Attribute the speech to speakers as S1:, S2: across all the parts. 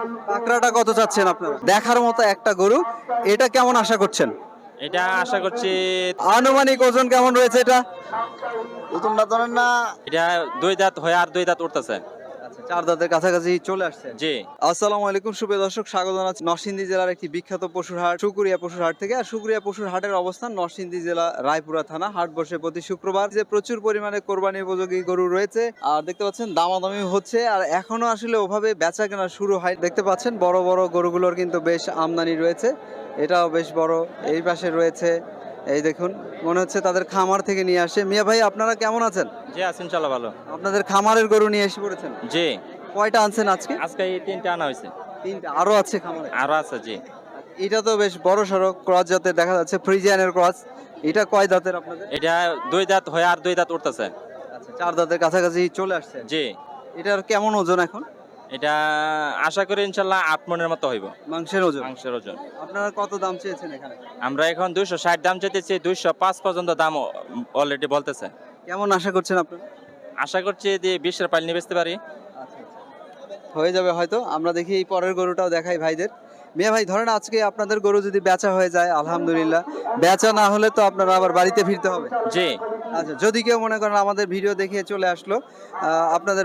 S1: পাকড়াটা কত চাচ্ছেন আপনারা? দেখার মতো একটা গরু, এটা কেমন আশা করছেন?
S2: এটা আশা করছি
S1: আনুমানিক ওজন কেমন রয়েছে এটা?
S3: প্রথমটা ধরেন না,
S2: এটা 2 দাঁত হয়ে আর 2 দাঁত উঠতেছে।
S1: আচ্ছা, 4 দাঁতের কাছাকাছি চলে আসছে।
S2: জি।
S1: আসসালামু আলাইকুম সুপ্রিয় দর্শক, স্বাগত জানাচ্ছি নরসিংদী জেলার একটি বিখ্যাত পশুর হাট সুকুরিয়া পশুর হাট থেকে। আর সুকুরিয়া পশুর হাটের অবস্থান নরসিংদী জেলা রায়পুরা থানা। হাট বসে প্রতি শুক্রবার। যে প্রচুর পরিমাণে কোরবানি উপযোগী গরু রয়েছে আর দেখতে পাচ্ছেন দামাদামি হচ্ছে, আর এখনো আসলে ওভাবে বেচা কেনা শুরু হয়। দেখতে পাচ্ছেন বড় বড় গরুগুলোর কিন্তু বেশ আমদানি রয়েছে, এটাও বেশ বড়। এই পাশে রয়েছে, এই দেখুন, মনে হচ্ছে তাদের খামার থেকে নিয়ে আসে। মিয়া ভাই, আপনারা কেমন আছেন?
S2: জি আছেন, ইনশাআল্লাহ ভালো।
S1: আপনাদের খামারের গরু নিয়ে এসে পড়েছেন?
S2: জি।
S1: কয়টা আনছেন আজকে?
S2: আজকে এই 3টা আনা হয়েছে।
S1: 3টা আরো আছে খামারে?
S2: আরো আছে। জি।
S1: এটা তো বেশ বড় সড়ো ক্রস জাতের দেখা যাচ্ছে, ফ্রিজিয়ানের ক্রস। এটা কয় দাঁতের আপনাদের?
S2: এটা 2 দাঁত হয়ে আর 2 দাঁত উঠতেছে।
S1: আচ্ছা, 4 দাঁতের কাছাকাছি চলে আসছে।
S2: জি।
S1: এটার কেমন ওজন এখন?
S2: এটা আশা করি ইনশাআল্লাহ 8 মনের মতো হইব
S1: মাংসের ওজন?
S2: মাংসের ওজন।
S1: আপনারা কত দাম চেয়েছেন এখানে?
S2: আমরা এখন 260 দাম চাইতেছি, 205 পর্যন্ত দাম অলরেডি বলতেছে।
S1: কেমন আশা করছেন আপনারা?
S2: আশা করছি যে 20 এর পাইল নিয়ে বেচতে পারি।
S1: আচ্ছা, হয়ে যাবে হয়তো। আমরা দেখি এই পরের গরুটাও দেখাই ভাইদের। মিয়া ভাই, ধরেন আজকে আপনাদের গরু যদি বেচা হয়ে যায় আলহামদুলিল্লাহ, বেচা না হলে তো আপনারা আবার বাড়িতে ফিরতে হবে।
S2: জি।
S1: আচ্ছা, যদি কেউ মনে করেন আমাদের ভিডিও দেখে চলে আসলো আপনাদের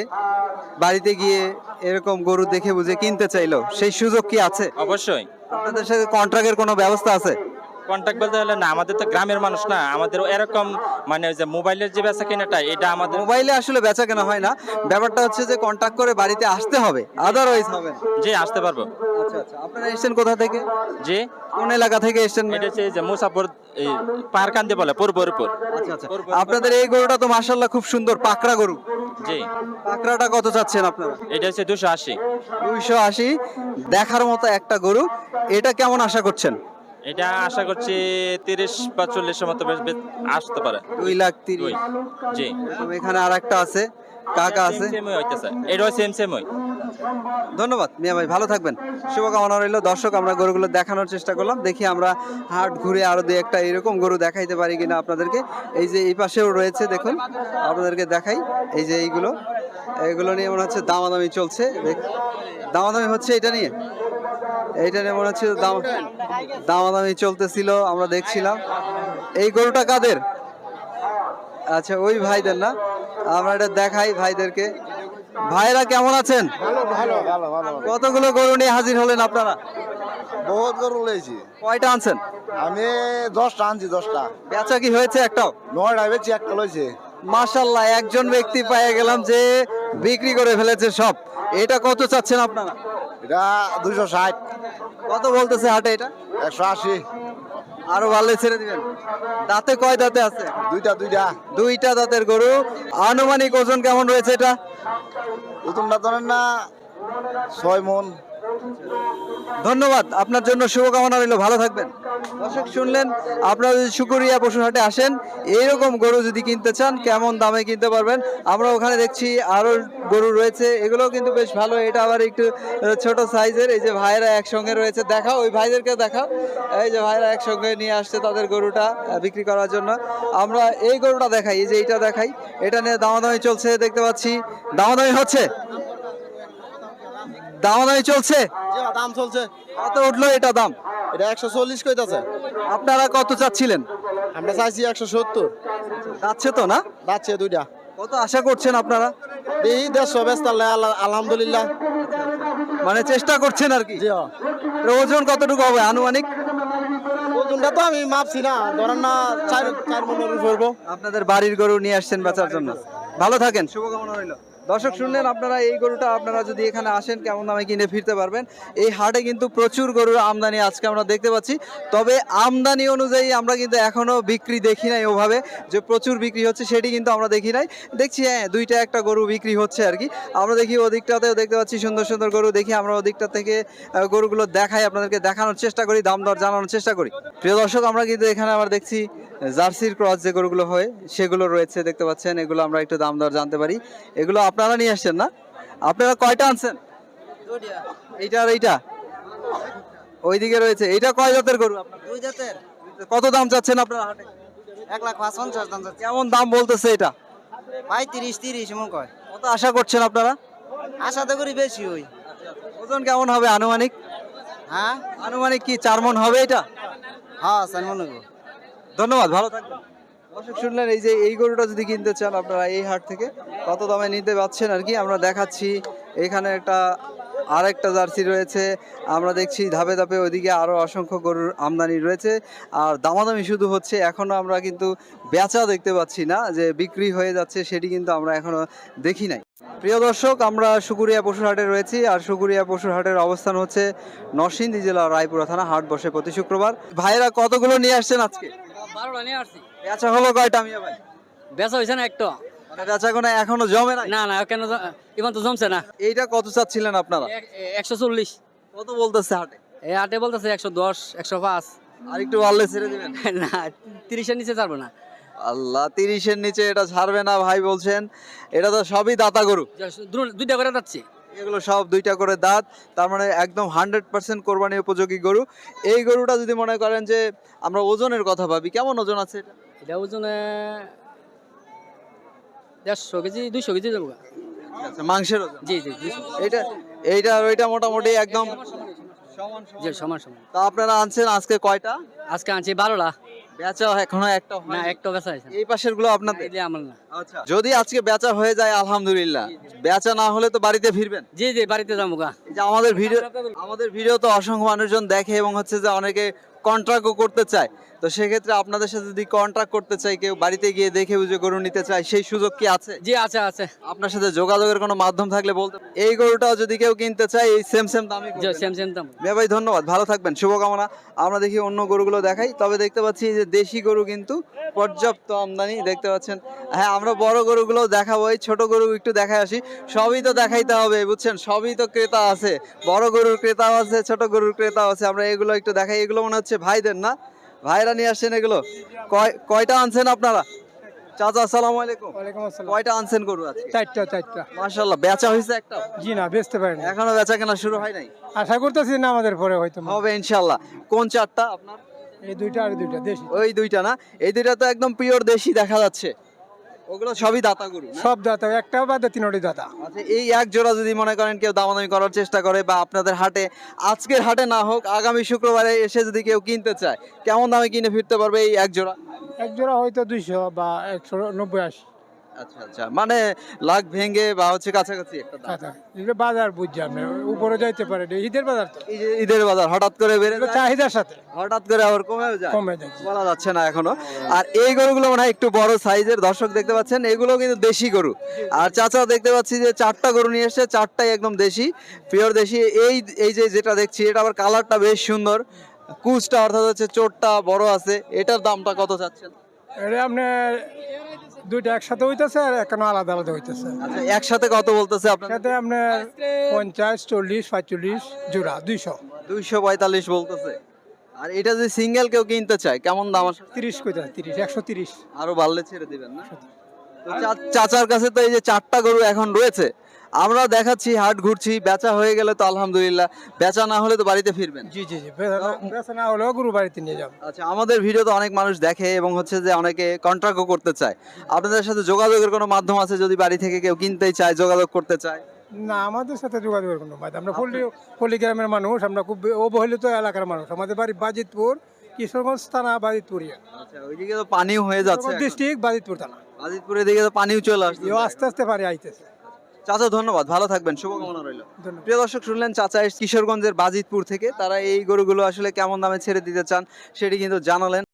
S1: বাড়িতে গিয়ে এরকম গরু দেখে বুঝে কিনতে চাইলো, সেই সুযোগ কি আছে?
S2: অবশ্যই।
S1: আপনাদের সাথে কন্ট্রাক্টের কোনো ব্যবস্থা আছে?
S2: কন্টাক্ট বলতে হলে না, আমাদের তো গ্রামের মানুষ না, আমাদের এরকম মানে ওই যে মোবাইলের যে বেচা কেনাটা, এটা আমাদের
S1: মোবাইলে আসলে বেচা কেনা হয় না, ব্যাপারটা হচ্ছে যে কন্ট্যাক্ট করে বাড়িতে আসতে হবে, আদারওয়াইজ হবে না।
S2: জি আসতে পারবো।
S1: আচ্ছা আচ্ছা, আপনারা এসেছেন কোথা থেকে?
S2: জি।
S1: কোন এলাকা থেকে এসেছেন?
S2: এটা হচ্ছে এই যে মুসাফর পারকান্দি বলে পূর্বরূপর।
S1: আচ্ছা আচ্ছা, আপনাদের এই গরুটা তো মাশাআল্লাহ খুব সুন্দর, পাকড়া গরু।
S2: জি।
S1: পাকড়াটা কত চাচ্ছেন আপনারা?
S2: এটা হচ্ছে 280।
S1: 280, দেখার মতো একটা গরু, এটা কেমন আশা করছেন?
S2: এটা আশা করছি 30 বা 40 এর মতো আসতে পারে।
S1: 2,30,000।
S2: জি।
S1: এখানে আর একটা আছে, কাকা আছে।
S2: সেম হইতেছে, এটাও সেম হই।
S1: ধন্যবাদ মিয়া ভাই, ভালো থাকবেন, শুভকামনা রইল। দর্শক, আমরা গরুগুলো দেখানোর চেষ্টা করলাম, দেখি আমরা হাট ঘুরে আরো দুই একটা এরকম গরু দেখাইতে পারি কিনা আপনাদেরকে। এই যে এই পাশেও রয়েছে, দেখুন আপনাদেরকে দেখাই। এই যে এইগুলো নিয়ে মনে হচ্ছে দামাদামি চলছে। দামাদামি হচ্ছে এটা নিয়ে মনে হচ্ছে দামাদামি চলতেছিল, আমরা দেখছিলাম। এই গরুটা কাদের? আচ্ছা, ওই ভাইদের না? আমরা এটা দেখাই ভাইদেরকে। ভাইরা কেমন আছেন? কতগুলো গরু নিয়ে হাজির হলেন আপনারা?
S3: বহুত গরু লইছি।
S1: কয়টা আনছেন?
S3: আমি 10টা আনছি, 10টা।
S1: বেচা কি হয়েছে একটাও?
S3: 9টা বেচি, একটা লইছে।
S1: মাশাআল্লাহ, একজন ব্যক্তি পেয়ে গেলাম যে বিক্রি করে ফেলেছে সব। এটা কত চাচ্ছেন আপনারা?
S3: এটা 260,
S1: কত বলতেছে হাটে এটা?
S3: 180।
S1: আরো ভালো ছেড়ে দিবেন। দাঁতে কয় দাঁতে আছে?
S3: দুইটা।
S1: দুইটা দাঁতের গরু। আনুমানিক ওজন কেমন রয়েছে এটা?
S3: প্রথমটা ধরেন না, 6 মন।
S1: ধন্যবাদ, আপনার জন্য শুভকামনা রইল, ভালো থাকবেন। দর্শক, শুনলেন, আপনারা যদি সুকুরিয়া পশুর হাটে আসেন, এইরকম গরু যদি কিনতে চান, কেমন দামে কিনতে পারবেন। আমরা ওখানে দেখছি আরো গরু রয়েছে, এগুলোও কিন্তু বেশ ভালো। এটা আবার একটু ছোট সাইজের। এই যে ভাইরা একসঙ্গে রয়েছে, দেখাও, ওই ভাইদেরকে দেখাও। এই যে ভাইরা একসঙ্গে নিয়ে আসছে তাদের গরুটা বিক্রি করার জন্য। আমরা এই গরুটা দেখাই, এই যে এইটা দেখাই, এটা নিয়ে দামাদামি চলছে দেখতে পাচ্ছি। দামাদামি হচ্ছে, দামাদামি চলছে।
S3: দাম চলছে।
S1: কত উঠলো এটা দাম?
S3: এটা 140 কইতাছে।
S1: আপনারা কত চাচ্ছিলেন?
S3: আমরা চাইছি 170।
S1: যাচ্ছে তো না?
S3: যাচ্ছে দুইটা।
S1: কত আশা করছেন আপনারা?
S3: এই 150 বেচতে আলহামদুলিল্লাহ।
S1: মানে চেষ্টা করছেন আর কি।
S3: জি।
S1: এর ওজন কতটুকু হবে আনুমানিক?
S3: ওজনটা তো আমি মাপছি না, ধরেন না 4 মনের উপর।
S1: আপনাদের বাড়ির গরু নিয়ে আসছেন বেচার জন্য, ভালো থাকেন, শুভকামনা রইল। দর্শক, শুনলেন আপনারা, এই গরুটা আপনারা যদি এখানে আসেন কেমন দামে কিনে ফিরতে পারবেন। এই হাটে কিন্তু প্রচুর গরুর আমদানি আজকে আমরা দেখতে পাচ্ছি, তবে আমদানি অনুযায়ী আমরা কিন্তু এখনো বিক্রি দেখি নাই ওভাবে যে প্রচুর বিক্রি হচ্ছে, সেটি কিন্তু আমরা দেখি নাই। দেখছি হ্যাঁ, দুইটা একটা গরু বিক্রি হচ্ছে আর কি। আমরা দেখি ওদিকটাতেও দেখতে পাচ্ছি সুন্দর সুন্দর গরু, দেখি আমরা ওদিকটা থেকে গরুগুলো দেখাই, আপনাদেরকে দেখানোর চেষ্টা করি, দাম দর জানানোর চেষ্টা করি। প্রিয় দর্শক, আমরা কিন্তু এখানে আবার দেখছি জার্সির ক্রস যে গরুগুলো হয় সেগুলো রয়েছে, দেখতে পাচ্ছেন। এগুলো আমরা একটু দাম দর জানতে পারি। এগুলো আপনারা নিয়ে আসছেন না? আপনারা কয়টা আনছেন? এইটা আর এইটা ওইদিকে রয়েছে। এইটা কয় জাতের গরু আপনার?
S4: 2 জাতের।
S1: কত দাম চাচ্ছেন আপনারা হাটে?
S4: 1,50,000 দাম যাচ্ছে।
S1: কেমন দাম বলতেছে এটা?
S4: 35, 30 এমন কয়।
S1: কত আশা করছেন আপনারা?
S4: আশা তো করি বেশি হই।
S1: ওজন ওজন কেমন হবে আনুমানিক?
S4: হ্যাঁ
S1: আনুমানিক কি 4 মণ হবে এটা?
S4: হ্যাঁ চার মন হইব।
S1: ধন্যবাদ, ভালো থাকবেন। দর্শক শুনলেন, এই যে এই গরুটা যদি কিনতে চান আপনারা এই হাট থেকে কত দামে নিতে পাচ্ছেন আর কি আমরা দেখাচ্ছি। এখানে একটা আরেকটা জার্সি রয়েছে, আমরা দেখছি ধাপে ধাপে ওইদিকে আরো অসংখ্য গরুর আমদানি রয়েছে আর দামাদামি শুধু হচ্ছে, এখনো আমরা কিন্তু বেচা দেখতে পাচ্ছি না, যে বিক্রি হয়ে যাচ্ছে সেটি কিন্তু আমরা এখনো দেখি নাই। প্রিয় দর্শক, আমরা সুকুরিয়া পশুর হাটে রয়েছি আর সুকুরিয়া পশুর হাটের অবস্থান হচ্ছে নরসিংদী জেলা রায়পুরা থানা। হাট বসে প্রতি শুক্রবার। ভাইরা কতগুলো নিয়ে আসছেন আজকে?
S5: 12টা নিয়ে আসছি।
S1: বেচা হলো কয়টা মিয়া ভাই?
S5: বেচা হয়েছে না একটা?
S1: মানে বেচা কোনো এখনো জমে নাই?
S5: না কেন ইমান তো জমছে না।
S1: এইটা কত চাচ্ছিলেন আপনারা?
S5: 140।
S1: কত বলতেছে হাটে?
S5: এই হাটে বলতেছে 110, 105।
S1: আর একটু বাড়লে ছেড়ে দিবেন?
S5: না 30-এর নিচে ছাড়বো না।
S1: আল্লাহ, 30-এর নিচে এটা ছাড়বে না ভাই বলছেন? এটা তো সবই দাতা গরু,
S5: দুইটা করে যাচ্ছে।
S1: এগুলো সব দুইটা করে দাঁত, তার মানে একদম 100% কোরবানি উপযোগী গরু। এই গরুটা যদি মনে করেন যে আমরা ওজনের কথা ভাবি, কেমন ওজন আছে এটা?
S5: এটা ওজনে 150 কেজি 200 কেজি যাবো।
S1: আচ্ছা, মাংসের ওজন?
S5: জি 200।
S1: এইটা আর ওইটা মোটামুটি একদম
S5: জি সমান।
S1: তা আপনারা আনছেন আজকে কয়টা?
S5: আজকে আনছি 12টা।
S1: বেচা এখনো একটা
S5: না একটা বেচা হয়েছে।
S1: এই পাশের গুলো আপনাদের?
S5: এগুলি আমার না।
S1: আচ্ছা, যদি আজকে বেচা হয়ে যায় আলহামদুলিল্লাহ, বেচা না হলে তো বাড়িতে ফিরবেন?
S5: জি বাড়িতে যাবো গা।
S1: এই যে আমাদের ভিডিও তো অসংখ্য মানুষজন দেখে এবং হচ্ছে যে অনেকে কন্ট্রাক্টও করতে চায়, তো সেক্ষেত্রে আপনাদের সাথে যদি কন্ট্রাক্ট করতে চাই, কেউ বাড়িতে গিয়ে দেখে বুঝে গরু নিতে চায়, সেই সুযোগ কি আছে?
S5: জি আছে।
S1: আপনার সাথে যোগাযোগের কোনো মাধ্যম থাকলে বলতে। এই গরুটাও যদি কেউ কিনতে চায় এই সেম দামই
S5: জি
S1: করবেন?
S5: সেম দাম।
S1: মিয়া ভাই ধন্যবাদ, ভালো থাকবেন, শুভকামনা। আমরা দেখি অন্য গরুগুলো দেখাই। তবে দেখতে পাচ্ছি যে দেশি গরু কিন্তু পর্যাপ্ত আমদানি দেখতে পাচ্ছেন। হ্যাঁ, আমরা বড় গরুগুলো দেখাবো, এই ছোট গরু একটু দেখায় আসি। সবই তো দেখাইতে হবে বুঝছেন, সবই তো ক্রেতা আছে, বড় গরুর ক্রেতাও আছে, ছোট গরুর ক্রেতাও আছে। আমরা এগুলো একটু দেখাই। এগুলো মনে হচ্ছে ভাইদের না? ভাইরা নিয়ে আসছেন এগুলো? কয়টা আনছেন আপনারা? চাচা আসসালামু আলাইকুম।
S3: ওয়ালাইকুম আসসালাম।
S1: কয়টা আনছেন গরু আজকে?
S3: 4টা।
S1: মাশাআল্লাহ, বেচা হয়েছে একটা?
S3: জি না, বেচতে পারেনি।
S1: এখনো বেচা কেনা শুরু হয় নাই?
S3: আশা করতেছি না আমাদের পরে হয়তো
S1: হবে ইনশাআল্লাহ। কোন চারটা আপনার?
S3: এই দুইটা আর দুইটা দেশি।
S1: ওই দুইটা না? এই দুইটা তো একদম পিওর দেশি দেখা যাচ্ছে। ওগুলো সবই দাতা গরু না?
S3: সব দাতা, একটা বাদে তিনটি দাতা।
S1: আচ্ছা, এই এক জোড়া যদি মনে করেন কেউ দামাদামি করার চেষ্টা করে বা আপনাদের হাটে, আজকের হাটে না হোক আগামী শুক্রবারে এসে যদি কেউ কিনতে চায়, কেমন দামে কিনে ফিরতে পারবে এই এক জোড়া?
S3: এক জোড়া হয়তো 200 বা 190-80
S1: আচ্ছা, মানে লাখ ভেঙে বা হচ্ছে কাছাকাছি একটা দাম।
S3: দাতা। এগুলো বাজার বুঝছি আপনি, উপরে যাইতে পারে, এটা ঈদের বাজার তো।
S1: এই যে ঈদের বাজার হঠাৎ করে বেড়ে
S3: এগুলো
S1: যায়,
S3: চাহিদার সাথে
S1: হঠাৎ করে আবার কমেও যায়,
S3: কমে যাচ্ছে।
S1: বলা যাচ্ছে না এখনো। আর এই গরুগুলো মনে হয় একটু বড় সাইজের, দর্শক দেখতে পাচ্ছেন, এগুলো কিন্তু দেশি গরু। আর চাচা দেখতে পাচ্ছি যে 4টা গরু নিয়ে এসেছে, 4টাই একদম দেশি, পিওর দেশি। এই যে যেটা দেখছি এটা আবার কালারটা বেশ সুন্দর, কুচটা অর্থাৎ হচ্ছে চোটটা বড় আছে। এটার দামটা কত চাচ্ছেন?
S3: এটা আপনার দুইটা একসাথে হইতেছে আর এখনো আলাদা হইতেছে।
S1: আচ্ছা, একসাথে কত বলতেছে আপনার?
S3: সাথে আপনার 50, 40, 45 জোড়া 200।
S1: 245 বলতেছে। আর এটা যদি সিঙ্গেল কেউ কিনতে চায় কেমন দাম আসে?
S3: 30 কইতা 30, 130।
S1: আরো বাড়লে ছেড়ে দিবেন না? তো চাচার কাছে তো এই যে 4টা গরু এখন রয়েছে, আমরা দেখাচ্ছি, হাট ঘুরছি, বেচা হয়ে গেলে তো আলহামদুলিল্লাহ, বেচা না হলে তো বাড়িতে ফিরবেন।
S3: জি বেচা না হলেও গরু বাড়িতে নিয়ে যাবো।
S1: আচ্ছা, আমাদের ভিডিও তো অনেক মানুষ দেখে এবং হচ্ছে যে অনেকে কন্ট্রাক্টও করতে চায়, আপনাদের সাথে যোগাযোগের কোনো মাধ্যম আছে যদি বাড়ি থেকে কেউ কিনতেই চায়, যোগাযোগ করতে চায়?
S3: না, আমাদের সাথে যোগাযোগের কোনো মাধ্যম, আমরা পল্লী গ্রামের মানুষ, আমরা খুব অবহেলিত এলাকার মানুষ। আমাদের বাড়ি বাজিতপুর, কিশোরগঞ্জ থানা, বাজিতপুরিয়া।
S1: আচ্ছা, ওইদিকে তো পানিও হয়ে যাচ্ছে এখন।
S3: ডিস্ট্রিক্ট বাজিতপুর থানা।
S1: আজিতপুরের দিকে তো পানিও চলে আসছে।
S3: আস্তে পারে আইতেছে।
S1: চাচা ধন্যবাদ, ভালো থাকবেন, শুভকামনা রইল।
S3: ধন্যবাদ।
S1: প্রিয় দর্শক, শুনলেন চাচা কিশোরগঞ্জের বাজিতপুর থেকে, তারা এই গরুগুলো আসলে কেমন দামে ছেড়ে দিতে চান সেটি কিন্তু জানালেন।